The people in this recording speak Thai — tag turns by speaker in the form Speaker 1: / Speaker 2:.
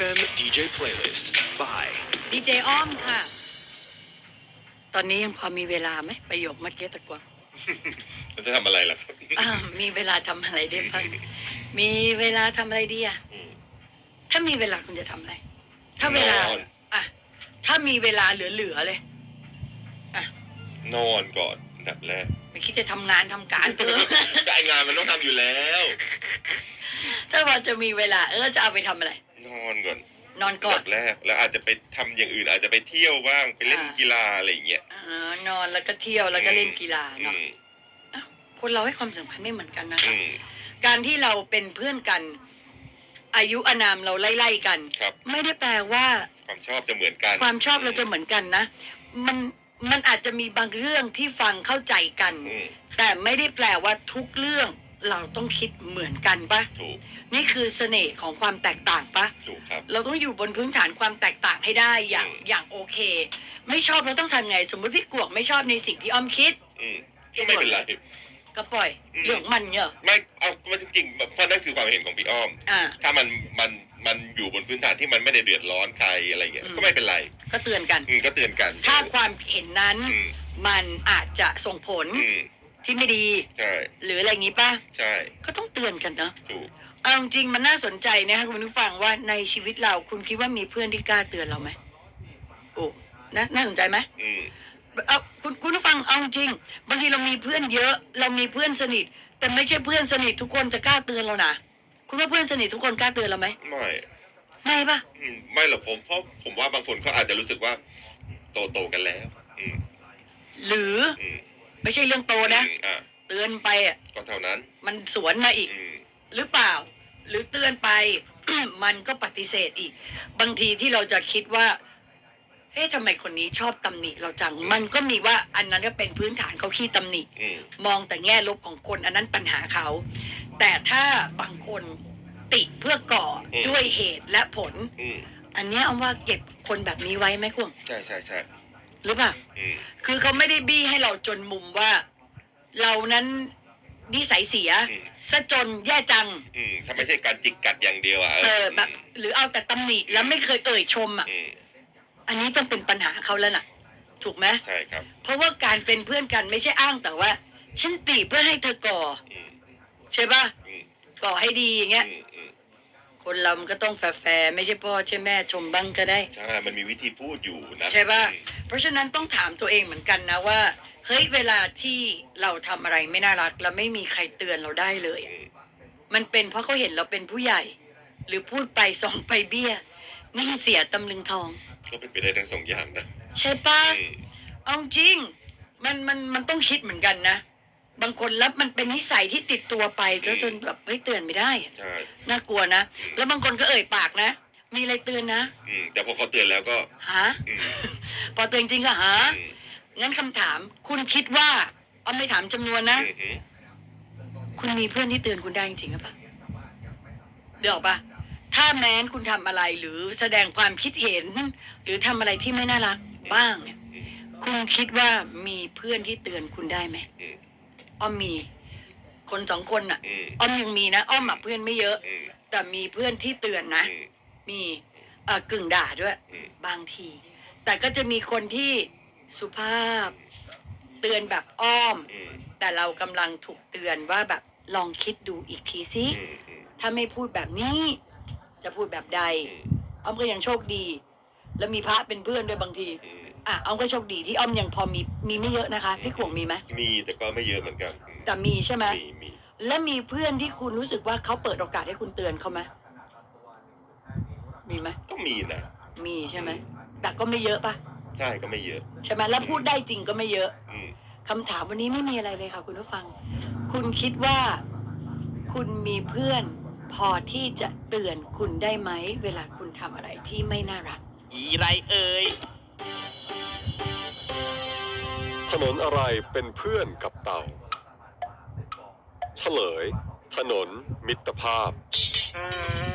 Speaker 1: FM DJ Playlist by
Speaker 2: ดีเจอ้อมค่ะ ตอนนี้ยังพอมีเวลาไหมประโยคเมื่อกี้ตะกวง
Speaker 3: มันจะทำอะไรล่ะครับ
Speaker 2: มีเวลาทำอะไรได้บ้างมีเวลาทำอะไรดีอะถ้ามีเวลาคุณจะทำอะไร ถ้าเวลาน
Speaker 3: อน
Speaker 2: อะถ้ามีเวลาเหลือๆเลยอะ
Speaker 3: นอนก่อนอันดับแรก
Speaker 2: ไม่คิดจะทำงานทำการเถอะ
Speaker 3: การงานมันต้องทำอยู่แล้ว
Speaker 2: ถ้าว่าจะมีเวลาจะเอาไปทำอะไร
Speaker 3: นอนก่อน
Speaker 2: นอน
Speaker 3: อั
Speaker 2: ก่อน
Speaker 3: ดับแรกแล้วอาจจะไปทำอย่างอื่น อาจจะไปเที่ยวบ้างไปเล่นกีฬาอะไรอย่างเงี้ย
Speaker 2: นอนแล้วก็เที่ยวแล้วก็เล่นกีฬา
Speaker 3: อื
Speaker 2: เนาะ
Speaker 3: ม
Speaker 2: คนเราให้ความสำคัญไม่เหมือนกันนะ
Speaker 3: อืม
Speaker 2: การที่เราเป็นเพื่อนกัน อายุอานามเราไล่ๆกัน
Speaker 3: ครับ
Speaker 2: ไม่ได้แปลว่า
Speaker 3: ความชอบจะเหมือนกัน
Speaker 2: ความชอบเราจะเหมือนกันนะ มันอาจจะมีบางเรื่องที่ฟังเข้าใจกัน
Speaker 3: อืม
Speaker 2: แต่ไม่ได้แปลว่าทุกเรื่องเราต้องคิดเหมือนกันปะ
Speaker 3: ถูก
Speaker 2: นี่คือเสน่ห์ของความแตกต่างปะ
Speaker 3: ถูกครับ
Speaker 2: เราต้องอยู่บนพื้นฐานความแตกต่างให้ได้อย่าง
Speaker 3: อืม
Speaker 2: อย่างโอเค ไม่ชอบเราต้องทำไง สมมติพี่กวกไม่ชอบในสิ่งที่อ้อมคิด
Speaker 3: อืมก็ไม่เป็นไร
Speaker 2: ก็ปล่อย
Speaker 3: อืม
Speaker 2: เรื่องมันเนี่ย
Speaker 3: ไม่เอามันจริงๆเพราะนั่นคือความเห็นของพี่อ้อม
Speaker 2: อ่า
Speaker 3: ถ้ามันอยู่บนพื้นฐานที่มันไม่ได้เดือดร้อนใครอะไรเงี้ย
Speaker 2: อืม
Speaker 3: ก็ไม่เป็นไร
Speaker 2: ก็เตือนกัน
Speaker 3: ก็เตือนกัน
Speaker 2: ถ้าความเห็นนั้น
Speaker 3: อืม
Speaker 2: มันอาจจะส่งผล
Speaker 3: อืม
Speaker 2: ที่ไม่ดี
Speaker 3: ใช่
Speaker 2: หรืออะไรอย่างนี้ป่ะ
Speaker 3: ใช่
Speaker 2: ก็ต้องเตือนกันเนาะ
Speaker 3: ถูก
Speaker 2: เอาจริงๆมันน่าสนใจนะคะคุณผู้ฟังว่าในชีวิตเราคุณคิดว่ามีเพื่อนที่กล้าเตือนเราไหมโอ้น่าสนใจไหม
Speaker 3: อืม
Speaker 2: เอาคุณผู้ฟังเอาจริงบางทีเรามีเพื่อนเยอะ เรามีเพื่อนสนิท แต่ไม่ใช่เพื่อนสนิททุกคนจะกล้าเตือนเรานะคุณว่าเพื่อนสนิททุกคนกล้าเตือนเราไหม
Speaker 3: ไม่
Speaker 2: ไม่ป่ะ
Speaker 3: ไม่หรอกผมเพราะผมว่าบางคนเขาอาจจะรู้สึกว่าโตกันแล้ว อืม
Speaker 2: หรือ
Speaker 3: อืม
Speaker 2: ไม่ใช่เรื่องโตนะ
Speaker 3: อ่ะ
Speaker 2: เตือนไปอ่ะ
Speaker 3: ก็เท่านั้น
Speaker 2: มันสวนมาอีก
Speaker 3: อืม
Speaker 2: หรือเปล่า หรือเตือนไป มันก็ปฏิเสธอีก บางทีที่เราจะคิดว่าเฮ้ยทำไมคนนี้ชอบตำหนิเราจัง มันก็มีว่าอันนั้นก็เป็นพื้นฐานเขาขี้ตำหนิ
Speaker 3: อืม
Speaker 2: มองแต่แง่ลบของคนอันนั้นปัญหาเขา แต่ถ้าบางคนติเพื่อก่อด้วยเหตุและผล
Speaker 3: อืม
Speaker 2: อันเนี้ยเอาว่าเก็บคนแบบนี้ไว้ไหมคุณ
Speaker 3: ใช่ใช่ใช่
Speaker 2: หรือเปล่า
Speaker 3: อืม
Speaker 2: คือเขาไม่ได้บี้ให้เราจนมุมว่า เรานั้นนิสัยเสีย
Speaker 3: อืม
Speaker 2: ซะจนแย่จัง
Speaker 3: ถ้าไม่ใช่การจิกกัดอย่างเดียวอ่ะ
Speaker 2: แบบ หรือเอาแต่ตำหนิแล้วไม่เคยเอ่ยชมอ่ะ
Speaker 3: อืม
Speaker 2: อันนี้ต้องเป็นปัญหาเขาแล้วน่ะ ถูกไหม
Speaker 3: ใช่ครับ
Speaker 2: เพราะว่าการเป็นเพื่อนกันไม่ใช่อ้างแต่ว่า ฉันติเพื่อให้เธอก่อ
Speaker 3: อืม
Speaker 2: ใช่ป่ะ
Speaker 3: อืม
Speaker 2: ก่อให้ดีอย่างเงี้ย
Speaker 3: อืมอืม
Speaker 2: คนเรามันก็ต้องแฟร์ๆไม่ใช่พ่อใช่แม่ชมบ้างก็ได้
Speaker 3: ใช่มันมีวิธีพูดอยู่นะ
Speaker 2: ใช่ป่ะ
Speaker 3: อืม
Speaker 2: เพราะฉะนั้นต้องถามตัวเองเหมือนกันนะว่าเฮ้ยเวลาที่เราทำอะไรไม่น่ารักแล้วไม่มีใครเตือนเราได้เลย
Speaker 3: อืม
Speaker 2: มันเป็นเพราะเขาเห็นเราเป็นผู้ใหญ่ หรือพูดไปส่องไปเบี้ยนี่เสียตำลึงทอง
Speaker 3: ก็เป็นไปได้ทั้งสองอย่างนะ
Speaker 2: ใช่ป่ะ
Speaker 3: อืม
Speaker 2: เอาจริงมันต้องคิดเหมือนกันนะ บางคนแล้วมันเป็นนิสัยที่ติดตัวไปแล้วจนแบบเฮ้ยเตือนไม่ได้อะ
Speaker 3: ใช่
Speaker 2: น่ากลัวนะ แล้วบางคนก็เอ่ยปากนะ มีอะไรเตือนนะ
Speaker 3: แต่พอเขาเตือนแล้วก็
Speaker 2: หา
Speaker 3: อืม
Speaker 2: พอเตือนจริงก็หา
Speaker 3: อืม
Speaker 2: งั้นคำถาม คุณคิดว่าเอาไม่ถามจำนวนนะ
Speaker 3: อืม
Speaker 2: คุณมีเพื่อนที่เตือนคุณได้จริงๆหรือเปล่าเดี๋ยวปะถ้าแม้นคุณทำอะไรหรือแสดงความคิดเห็น หรือทำอะไรที่ไม่น่ารักบ้างเนี่ย
Speaker 3: อืม
Speaker 2: คุณคิดว่ามีเพื่อนที่เตือนคุณได้ไหม
Speaker 3: อืม
Speaker 2: อ้อมมีคนสองคนน่ะ
Speaker 3: อืม
Speaker 2: อ้อมยังมีนะอ้อมอะเพื่อนไม่เยอะ
Speaker 3: อืม
Speaker 2: แต่มีเพื่อนที่เตือนนะ
Speaker 3: อืม
Speaker 2: มีกึ่งด่าด้วย
Speaker 3: อืม
Speaker 2: บางที แต่ก็จะมีคนที่สุภาพ เตือนแบบอ้อม
Speaker 3: อืม
Speaker 2: แต่เรากำลังถูกเตือนว่าแบบลองคิดดูอีกทีสิ
Speaker 3: อืมอืม
Speaker 2: ถ้าไม่พูดแบบนี้ จะพูดแบบใด
Speaker 3: อืม
Speaker 2: อ้อมก็ยังโชคดี แล้วมีพระเป็นเพื่อนด้วยบางที
Speaker 3: อืม
Speaker 2: อ้อมก็โชคดีที่อ้อมยังพอมีไม่เยอะนะคะพี่ขวงมีไหม
Speaker 3: มีแต่ก็ไม่เยอะเหมือนกัน
Speaker 2: แต่มีใช่ไหม
Speaker 3: มี
Speaker 2: และมีเพื่อนที่คุณรู้สึกว่าเขาเปิดโอกาสให้คุณเตือนเขาไหมมีไหม
Speaker 3: ก็มีนะ
Speaker 2: มีใช่ไหมแต่ก็ไม่เยอะปะ
Speaker 3: ใช่ก็ไม่เยอะ
Speaker 2: ใช่ไหมแล้วพูดได้จริงก็ไม่เยอะ
Speaker 3: อืม
Speaker 2: คำถามวันนี้ไม่มีอะไรเลยค่ะคุณผู้ฟัง คุณคิดว่า คุณมีเพื่อนพอที่จะเตือนคุณได้ไหมเวลาคุณทำอะไรที่ไม่น่ารัก
Speaker 1: อีไรเอ่ย
Speaker 4: ถนนอะไรเป็นเพื่อนกับเต่า เฉลย ถนนมิตรภาพ